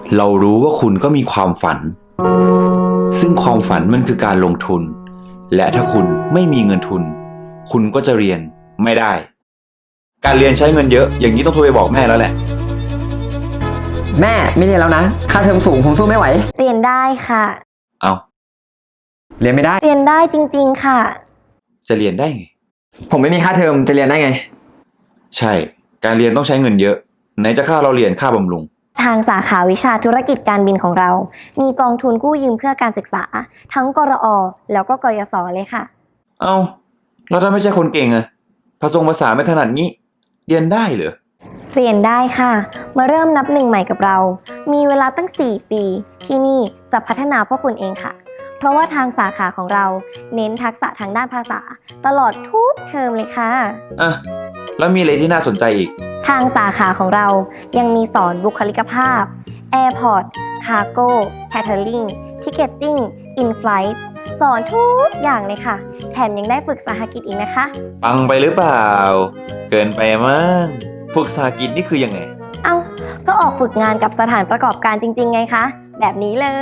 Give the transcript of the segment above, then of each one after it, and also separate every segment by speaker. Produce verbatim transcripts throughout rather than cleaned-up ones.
Speaker 1: เรารู้ว่าคุณก็มีความฝัน ซึ่งความฝันมันคือการลงทุน และถ้าคุณไม่มีเงินทุน คุณก็จะเรียนไม่ได้ การเรียนใช้เงินเยอะอย่างนี้ต้องโทรไปบอกแม่แล้วแหละ
Speaker 2: แม่ไม่เรียนแล้วนะค่าเทอมสูงผมสู้ไม่ไหว
Speaker 3: เรียนได้ค่ะ
Speaker 1: เอา
Speaker 2: เรียนไม่ได้
Speaker 3: เรียนได้จริงๆค่ะ
Speaker 1: จะเรียนได้ไง
Speaker 2: ผมไม่มีค่าเทอมจะเรียนได้ไง
Speaker 1: ใช่ การเรียนต้องใช้เงินเยอะ ไหนจะค่าเราเรียนค่าบำรุง
Speaker 3: ทางสาขาวิชาธุรกิจการบินของเรา มีกองทุนกู้ยืมเพื่อการศึกษา ทั้งกรอ แล้วก็กยศเลยค่ะ
Speaker 1: เอาแล้วถ้าไม่ใช่คนเก่งอะภาษาภาษาไม่ถนัดงี้ เรียนได้เหรอ
Speaker 3: เรียนได้ค่ะ มาเริ่มนับหนึ่งใหม่กับเรา มีเวลาตั้งสี่ปี ที่นี่จะพัฒนาพวกคุณเองค่ะ เพราะว่าทางสาขาของเราเน้นทักษะทางด้านภาษา ตลอดทุกเทอมเลยค่ะ
Speaker 1: อ่ะ แล้วมีอะไรที่น่าสนใจอีก
Speaker 3: ทางสาขาของเรายังมีสอนบุคลิกภาพ Airport Cargo Catering Ticketing In-Flight สอนทุกอย่างเลยค่ะ แถมยังได้ฝึกสหกิจอีกนะคะ
Speaker 1: ปังไปหรือเปล่า เกินไปมั้งฝึกสาหกิจนี่คือยังไง
Speaker 3: เอ้า ก็ออกฝึกงานกับสถานประกอบการจริงๆไงคะ แบบนี้เลย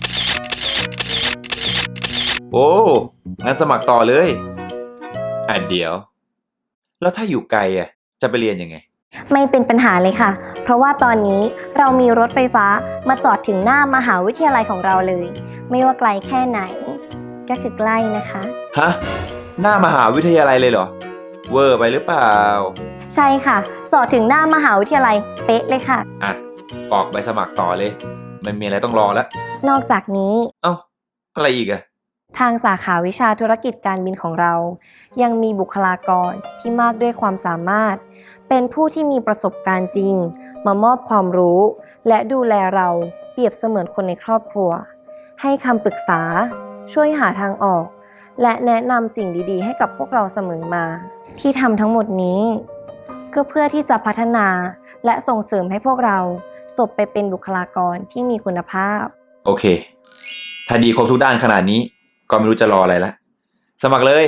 Speaker 1: โอ้ งั้นสมัครต่อเลย อ่ะเดี๋ยว แล้วถ้าอยู่ไกลอ่ะ จะไปเรียนยังไง
Speaker 3: ไม่เป็นปัญหาเลยค่ะ เพราะว่าตอนนี้เรามีรถไฟฟ้ามาจอดถึงหน้ามหาวิทยาลัยของเราเลย ไม่ว่าไกลแค่ไหน ก็คือใกล้นะคะ
Speaker 1: ฮะ หน้ามหาวิทยาลัยเลยเหรอ เวอร์ไปหรือเปล่า
Speaker 3: ใช่ค่ะ จอดถึงหน้ามหาวิทยาลัยเป๊ะเลยค่ะ
Speaker 1: อ่ะกรอกใบสมัครต่อเลย มันมีอะไรต้องรอแล้ว
Speaker 3: นอกจากนี้
Speaker 1: เอ้า อะไรอีกอะ
Speaker 3: ทางสาขาวิชาธุรกิจการบินของเรา ยังมีบุคลากรที่มากด้วยความสามารถ เป็นผู้ที่มีประสบการณ์จริง มามอบความรู้ และดูแลเราเปรียบเสมือนคนในครอบครัว ให้คำปรึกษา ช่วยหาทางออก และแนะนำสิ่งดีๆ ให้กับพวกเราเสมอมา ที่ทำทั้งหมดนี้ ก็เพื่อที่จะพัฒนาและส่งเสริมให้พวกเราจบไปเป็นบุคลากรที่มีคุณภาพ
Speaker 1: โอเค ถ้าดีครบทุกด้านขนาดนี้ ก็ไม่รู้จะรออะไรละ สมัครเลย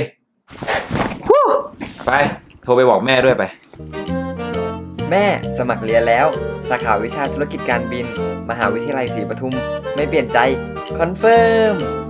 Speaker 1: ไป โทรไปบอกแม่ด้วยไป
Speaker 2: แม่สมัครเรียนแล้ว สาขาวิชาธุรกิจการบิน มหาวิทยาลัยศรีปทุม ไม่เปลี่ยนใจ คอนเฟิร์ม